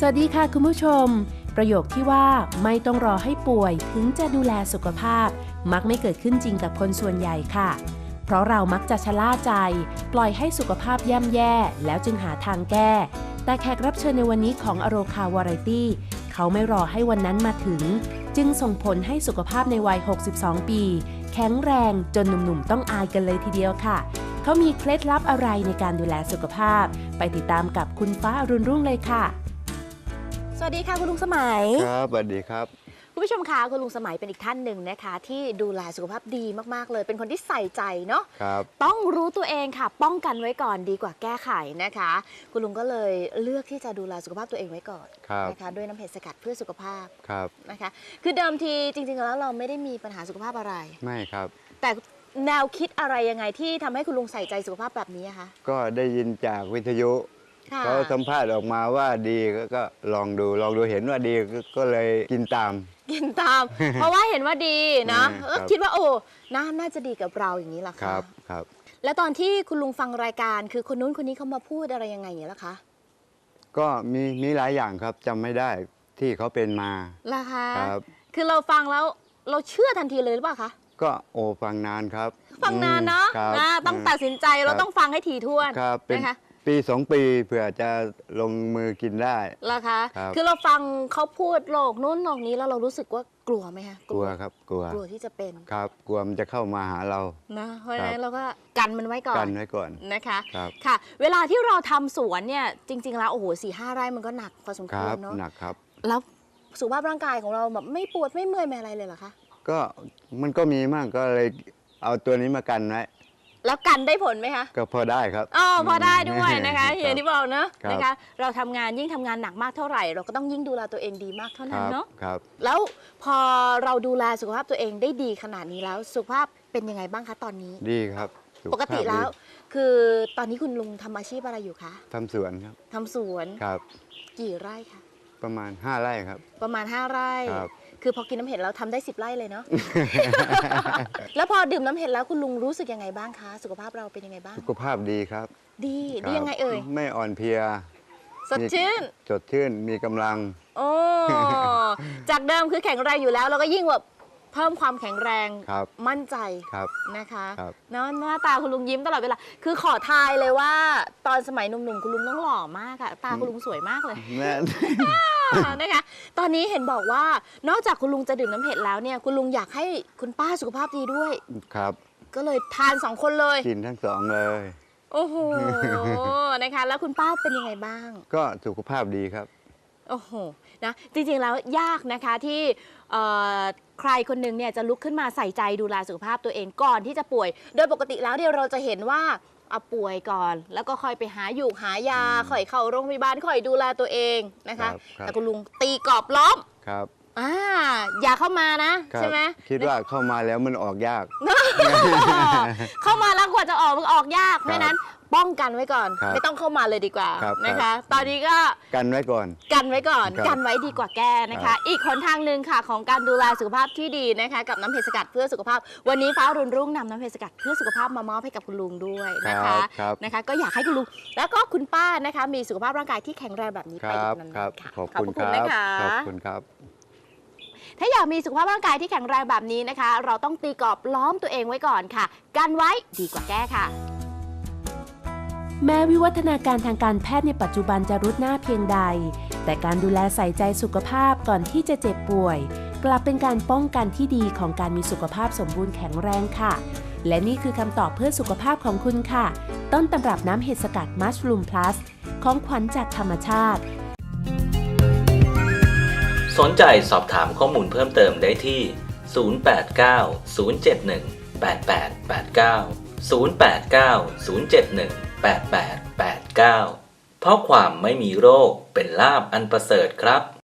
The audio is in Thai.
สวัสดีค่ะคุณผู้ชมประโยคที่ว่าไม่ต้องรอให้ป่วยถึงจะดูแลสุขภาพมักไม่เกิดขึ้นจริงกับคนส่วนใหญ่ค่ะเพราะเรามักจะชะล่าใจปล่อยให้สุขภาพย่ำแย่แล้วจึงหาทางแก้แต่แขกรับเชิญในวันนี้ของอโรคาวาไรตี้เขาไม่รอให้วันนั้นมาถึงจึงส่งผลให้สุขภาพในวัย 62 ปีแข็งแรงจนหนุ่มๆต้องอายกันเลยทีเดียวค่ะเขามีเคล็ดลับอะไรในการดูแลสุขภาพไปติดตามกับคุณฟ้าอรุณรุ่งเลยค่ะสวัสดีค่ะคุณลุงสมัยครับสวัสดีครับคุณผู้ชมคะคุณลุงสมัยเป็นอีกท่านหนึ่งนะคะที่ดูแลสุขภาพดีมากๆเลยเป็นคนที่ใส่ใจเนาะต้องรู้ตัวเองค่ะป้องกันไว้ก่อนดีกว่าแก้ไขนะคะคุณลุงก็เลยเลือกที่จะดูแลสุขภาพตัวเองไว้ก่อนนะคะด้วยน้ำเห็ดสกัดเพื่อสุขภาพนะคะคือเดิมทีจริงๆแล้วเราไม่ได้มีปัญหาสุขภาพอะไรไม่ครับแต่แนวคิดอะไรยังไงที่ทำให้คุณลุงใส่ใจสุขภาพแบบนี้คะก็ได้ยินจากวิทยุเขาสัมภาษณ์ออกมาว่าดีก็ลองดูเห็นว่าดีก็เลยกินตามเพราะว่าเห็นว่าดีนะคิดว่าโอ้น่าจะดีกับเราอย่างนี้ล่ะค่ะครับแล้วตอนที่คุณลุงฟังรายการคือคนนู้นคนนี้เขามาพูดอะไรยังไงอย่างนี้ล่ะคะก็มีหลายอย่างครับจำไม่ได้ที่เขาเป็นมาล่ะคะคือเราฟังแล้วเราเชื่อทันทีเลยหรือเปล่าคะก็ฟังนานครับฟังนานเนาะต้องตัดสินใจเราต้องฟังให้ถี่ถ้วนนะคะปี2 ปีเผื่อจะลงมือกินได้ล่ะคะคือเราฟังเขาพูดโรคนู้นโรคนี้แล้วเรารู้สึกว่ากลัวไหมคะกลัวครับกลัวที่จะเป็นครับกลัวมันจะเข้ามาหาเรานะเพราะฉะนั้นเราก็กันมันไว้ก่อนนะคะค่ะเวลาที่เราทำสวนเนี่ยจริงๆแล้วโอ้โห4-5 ไร่มันก็หนักพอสมควรเนาะหนักครับแล้วสุขภาพร่างกายของเราแบบไม่ปวดไม่เมื่อยไม่อะไรเลยเหรอคะก็มันก็มีมากก็เลยเอาตัวนี้มากันไว้แล้วกันได้ผลไหมคะก็พอได้ครับพอได้ด้วยนะคะอย่างที่บอกนะนะคะเราทำงานยิ่งทำงานหนักมากเท่าไหร่เราก็ต้องยิ่งดูแลตัวเองดีมากเท่านั้นเนาะแล้วพอเราดูแลสุขภาพตัวเองได้ดีขนาดนี้แล้วสุขภาพเป็นยังไงบ้างคะตอนนี้ดีครับปกติแล้วคือตอนนี้คุณลุงทำอาชีพอะไรอยู่คะทำสวนครับทำสวนครับกี่ไร่คะประมาณ5 ไร่ครับประมาณ5 ไร่คือพอกินน้ำเห็ดแล้วทำได้10 ไร่เลยเนาะ แล้วพอดื่มน้ำเห็ดแล้วคุณลุงรู้สึกยังไงบ้างคะสุขภาพเราเป็นยังไงบ้างสุขภาพดีครับดียังไงเอ่ยไม่อ่อนเพลียสดชื่นมีกำลังจากเดิมคือแข็งแรงอยู่แล้วเราก็ยิ่งแบบเพิ่มความแข็งแรงมั่นใจนะคะเนาะหน้าตาคุณลุงยิ้มตลอดเวลาคือขอทายเลยว่าตอนสมัยหนุ่มๆคุณลุงต้องหล่อมากอะตาคุณลุงสวยมากเลยนะคะตอนนี้เห็นบอกว่านอกจากคุณลุงจะดื่มน้ำเห็ดแล้วเนี่ยคุณลุงอยากให้คุณป้าสุขภาพดีด้วยครับก็เลยทาน2 คนเลยกินทั้ง2เลยโอ้โหนะคะแล้วคุณป้าเป็นยังไงบ้างก็สุขภาพดีครับโอ้โหนะจริงๆแล้วยากนะคะที่ใครคนหนึ่งเนี่ยจะลุกขึ้นมาใส่ใจดูแลสุขภาพตัวเองก่อนที่จะป่วยโดยปกติแล้วเนี่ยเราจะเห็นว่าเอาป่วยก่อนแล้วก็ค่อยไปหายาค่อยเข้าโรงพยาบาลค่อยดูแลตัวเองนะคะแต่คุณลุงตีกรอบล้อมครับอย่าเข้ามานะใช่ไหมคิดว่าเข้ามาแล้วมันออกยากเข้ามาแล้วกว่าจะออกมันออกยากเพราะฉะนั้นป้องกันไว้ก่อนไม่ต้องเข้ามาเลยดีกว่านะคะตอนนี้ก็กันไว้ก่อนกันไว้ดีกว่าแก้นะคะอีกหนทางหนึ่งค่ะของการดูแลสุขภาพที่ดีนะคะกับน้ำเห็ดสกัดเพื่อสุขภาพวันนี้ฟ้ารุ่งนำน้ำเห็ดสกัดเพื่อสุขภาพมามอบให้กับคุณลุงด้วยนะคะก็อยากให้คุณลุงแล้วก็คุณป้านะคะมีสุขภาพร่างกายที่แข็งแรงแบบนี้ไปนานๆค่ะขอบคุณนะคะขอบคุณครับถ้าอยากมีสุขภาพร่างกายที่แข็งแรงแบบนี้นะคะเราต้องตีกรอบล้อมตัวเองไว้ก่อนค่ะกันไว้ดีกว่าแก้ค่ะแม้วิวัฒนาการทางการแพทย์ในปัจจุบันจะรุดหน้าเพียงใดแต่การดูแลใส่ใจสุขภาพก่อนที่จะเจ็บป่วยกลับเป็นการป้องกันที่ดีของการมีสุขภาพสมบูรณ์แข็งแรงค่ะและนี่คือคำตอบเพื่อสุขภาพของคุณค่ะต้นตำรับน้ำเห็ดสกัดมัชรูมพลัสของขวัญจากธรรมชาติสนใจสอบถามข้อมูลเพิ่มเติมได้ที่ 089-071-8889 089-071-8889 เพราะความไม่มีโรคเป็นลาภอันประเสริฐครับ